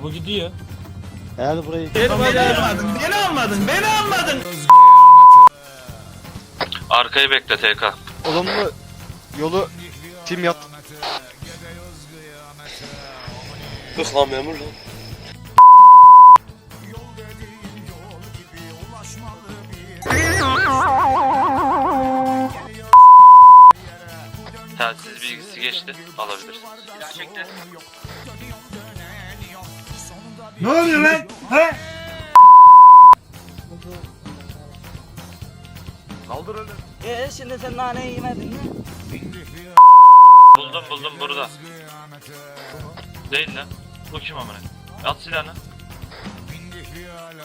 bu gidiyor. Eğer burayı... Beni almadın. Arkayı bekle TK. Olumlu yolu tim yat. Kık lan memur lan. Telsiz bilgisi geçti. Alabilirsiniz. Ne oluyor lan? He? Kaldır öyle. Şimdi sen naneyi yemedin mi? Buldum burada. Değil lan. Bu kim amına? At silahını.